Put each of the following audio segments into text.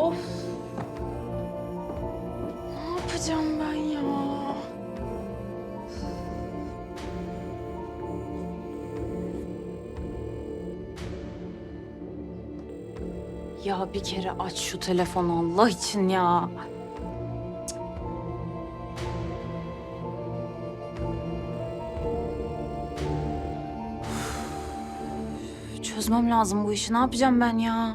Of. Ne yapacağım ben ya? Ya bir kere aç şu telefonu Allah için ya. Çözmem lazım bu işi. Ne yapacağım ben ya?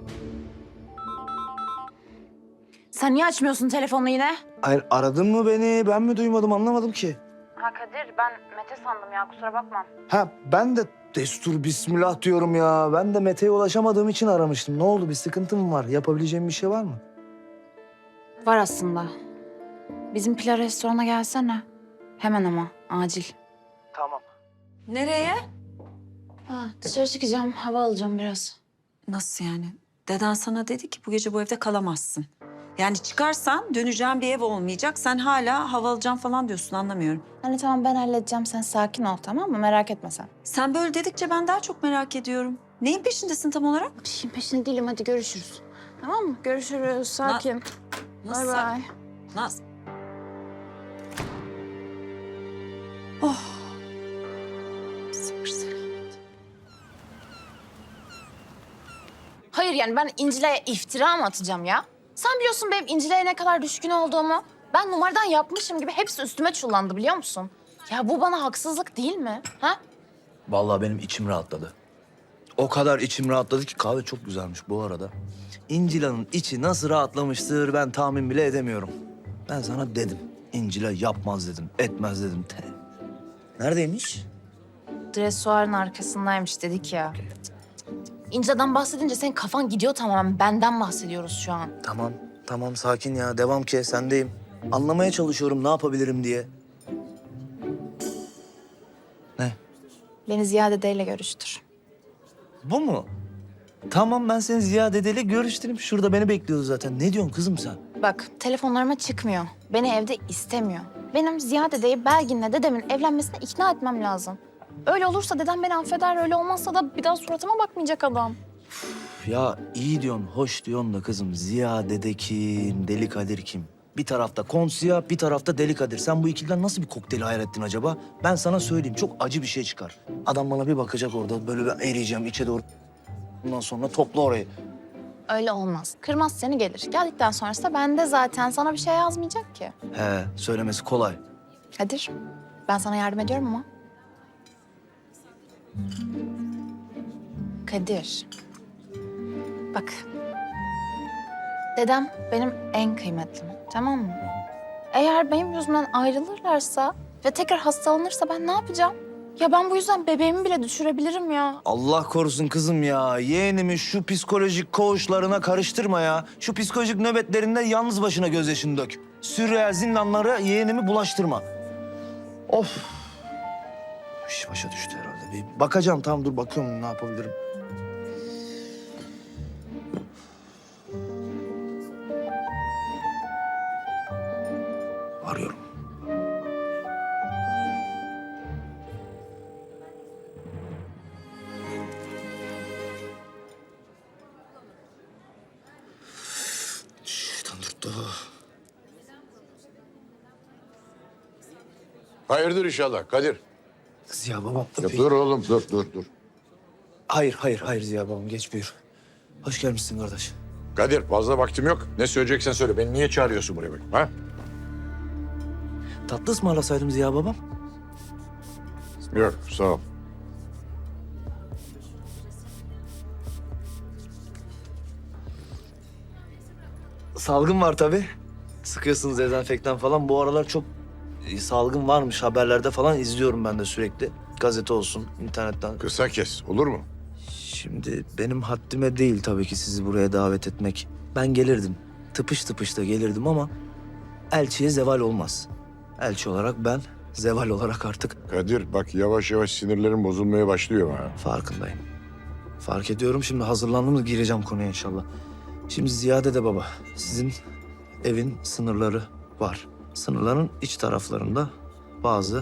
Sen niye açmıyorsun telefonunu yine? Hayır, aradın mı beni? Ben mi duymadım, anlamadım ki. Ha Kadir, ben Mete sandım ya. Kusura bakma. Ha, ben de destur bismillah diyorum ya. Ben de Mete'ye ulaşamadığım için aramıştım. Ne oldu, bir sıkıntı mı var? Yapabileceğim bir şey var mı? Var aslında. Bizim Pilar restorana gelsene. Hemen ama, acil. Tamam. Nereye? Ha, dışarı çıkacağım, hava alacağım biraz. Nasıl yani? Deden sana dedi ki bu gece bu evde kalamazsın. Yani çıkarsan döneceğin bir ev olmayacak. Sen hala hava alacağım falan diyorsun, anlamıyorum. Hani tamam ben halledeceğim, sen sakin ol tamam mı? Merak etme sen. Sen böyle dedikçe ben daha çok merak ediyorum. Neyin peşindesin tam olarak? Bir şeyin peşinde değilim, hadi görüşürüz. Tamam mı? Görüşürüz, sakin. Bay bay. Naz. Oh. Sabır selamet. Hayır yani ben İncile'ye iftira mı atacağım ya? Sen biliyorsun benim İncile'ye ne kadar düşkün olduğumu. Ben numaradan yapmışım gibi hepsi üstüme çullandı biliyor musun? Ya bu bana haksızlık değil mi? Ha? Vallahi benim içim rahatladı. O kadar içim rahatladı ki kahve çok güzelmiş bu arada. İncila'nın içi nasıl rahatlamıştır ben tahmin bile edemiyorum. Ben sana dedim. İncila yapmaz dedim, etmez dedim. Neredeymiş? Dresuarın arkasındaymış dedik ya. İncile'den bahsedince senin kafan gidiyor tamamen. Benden bahsediyoruz şu an. Tamam, tamam sakin ya. Devam ki, sendeyim. Anlamaya çalışıyorum ne yapabilirim diye. Ne? Beni Ziya dedeyle görüştür. Bu mu? Tamam, ben seni Ziya dedeyle görüştüreyim. Şurada beni bekliyordu zaten. Ne diyorsun kızım sen? Bak telefonlarıma çıkmıyor. Beni evde istemiyor. Benim Ziya dedeyi Belgin'le dedemin evlenmesine ikna etmem lazım. Öyle olursa dedem beni affeder, öyle olmazsa da bir daha suratıma bakmayacak adam. Ya iyi diyorsun, hoş diyorsun da kızım. Ziya dede kim, Deli Kadir kim? Bir tarafta Konsiya, bir tarafta Deli Kadir. Sen bu ikiliden nasıl bir kokteyl hayal ettin acaba? Ben sana söyleyeyim, çok acı bir şey çıkar. Adam bana bir bakacak orada, böyle ben eriyeceğim içe doğru. Ondan sonra topla orayı. Öyle olmaz. Kırmaz seni gelir. Geldikten sonrası da bende zaten sana bir şey yazmayacak ki. He, söylemesi kolay. Kadir, ben sana yardım ediyorum ama. Kadir. Bak. Dedem benim en kıymetlim, tamam mı? Eğer benim yüzümden ayrılırlarsa ve tekrar hastalanırsa ben ne yapacağım? Ya ben bu yüzden bebeğimi bile düşürebilirim ya. Allah korusun kızım ya. Yeğenimi şu psikolojik koğuşlarına karıştırma ya. Şu psikolojik nöbetlerinde yalnız başına gözyaşını dök. Sürreal zindanlara yeğenimi bulaştırma. Of. İş başa düştü herhalde. Bir bakacağım, tamam dur bakıyorum ne yapabilirim. Arıyorum. Şeytan dürttü. Hayırdır inşallah Kadir. Ziya babam. Ya dur oğlum dur. Hayır Ziya babam, geç buyur. Hoş gelmişsin kardeş. Kadir fazla vaktim yok. Ne söyleyeceksen söyle. Beni niye çağırıyorsun buraya bakayım ha? Tatlı ısmarlasaydım Ziya babam. Yok sağ ol. Salgın var tabii. Sıkıyorsunuz dezenfektan falan. Bu aralar çok salgın varmış. Haberlerde falan izliyorum ben de sürekli. Gazete olsun, internetten. Kısa kes olur mu? Şimdi benim haddime değil tabii ki sizi buraya davet etmek. Ben gelirdim. Tıpış tıpış da gelirdim ama elçiye zeval olmaz. Elçi olarak ben, zeval olarak artık Kadir bak yavaş yavaş sinirlerim bozulmaya başlıyor ha. farkındayım. Fark ediyorum. Şimdi hazırlandım da gireceğim konuya inşallah. Şimdi Ziyade de baba, sizin evin sınırları var. Sınırların iç taraflarında bazı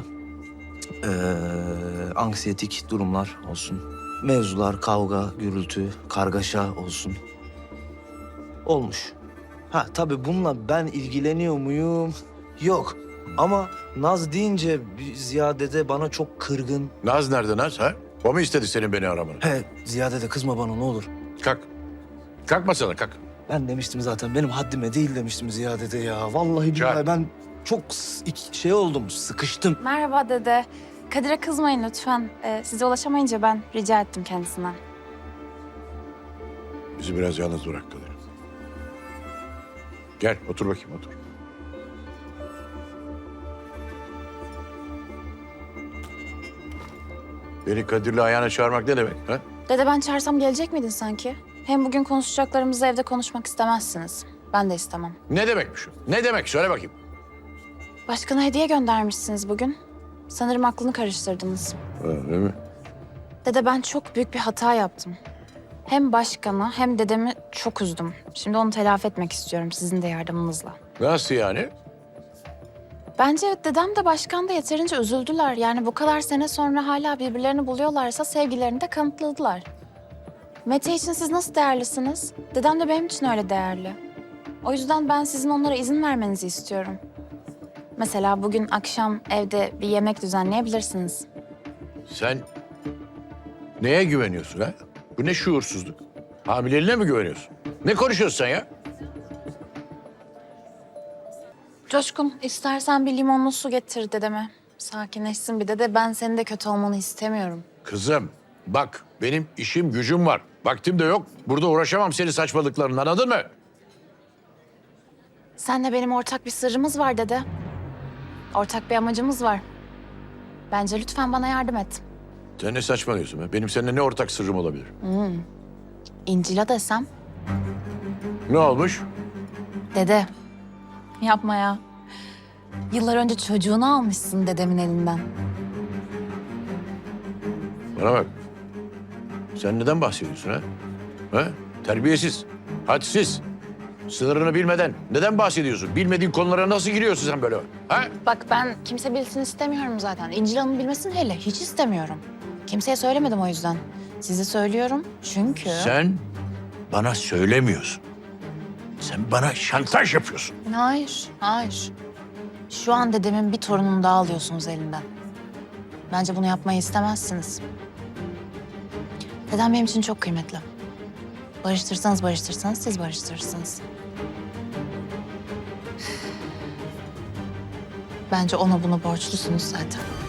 anksiyetik durumlar olsun. Mevzular, kavga, gürültü, kargaşa olsun. Olmuş. Ha tabii bununla ben ilgileniyor muyum? Yok. Ama Naz deyince Ziya dede bana çok kırgın. Naz nerede Naz ha? O mu istedi senin beni aramanı? He Ziya dede kızma bana ne olur. Kalk. Kalkma sana kalk. Ben demiştim zaten benim haddime değil demiştim Ziya dede ya. Vallahi billahi Çağır. ben çok şey oldum, sıkıştım. Merhaba dede. Kadir'e kızmayın lütfen. Size ulaşamayınca ben rica ettim kendisinden. Bizi biraz yalnız bırak Kadir. Gel otur bakayım otur. Beni Kadir'le ayağına çağırmak ne demek ha? Dede ben çağırsam gelecek miydin sanki? Hem bugün konuşacaklarımızı evde konuşmak istemezsiniz. Ben de istemem. Ne demekmiş o? Ne demek? Söyle bakayım. Başkana hediye göndermişsiniz bugün. Sanırım aklını karıştırdınız. Öyle mi? Dede ben çok büyük bir hata yaptım. Hem başkanı hem dedemi çok üzdüm. Şimdi onu telafi etmek istiyorum sizin de yardımınızla. Nasıl yani? Bence dedem de başkan da yeterince üzüldüler. Yani bu kadar sene sonra hala birbirlerini buluyorlarsa sevgilerini de kanıtladılar. Mete için siz nasıl değerlisiniz? Dedem de benim için öyle değerli. O yüzden ben sizin onlara izin vermenizi istiyorum. Mesela bugün akşam evde bir yemek düzenleyebilirsiniz. Sen neye güveniyorsun ha? Bu ne şuursuzluk? Hamileliğine mi güveniyorsun? Ne konuşuyorsun sen ya? Coşkun, istersen bir limonlu su getir dedeme. Sakinleşsin bir de ben senin de kötü olmanı istemiyorum. Kızım bak benim işim gücüm var. Vaktim de yok. Burada uğraşamam senin saçmalıklarınla anladın mı? Senle benim ortak bir sırrımız var dede. Ortak bir amacımız var. Bence lütfen bana yardım et. Sen ne saçmalıyorsun be? Benim seninle ne ortak sırrım olabilir? İncil'a desem. Ne olmuş? Dede, yapma ya. Yıllar önce çocuğunu almışsın dedemin elinden. Bana bak. Sen neden bahsediyorsun ha? Ha? Terbiyesiz, hadsiz, sınırını bilmeden neden bahsediyorsun? Bilmediğin konulara nasıl giriyorsun sen böyle? Ha? Bak ben kimse bilsin istemiyorum zaten. İncil Hanım bilmesini hele hiç istemiyorum. Kimseye söylemedim o yüzden. Size söylüyorum çünkü... Sen bana söylemiyorsun. Sen bana şantaj yapıyorsun. Hayır, hayır. Şu an dedemin bir torununu daha alıyorsunuz elinden. Bence bunu yapmayı istemezsiniz. Dedem benim için çok kıymetli. Barıştırsanız siz barıştırırsınız. Bence ona bunu borçlusunuz zaten.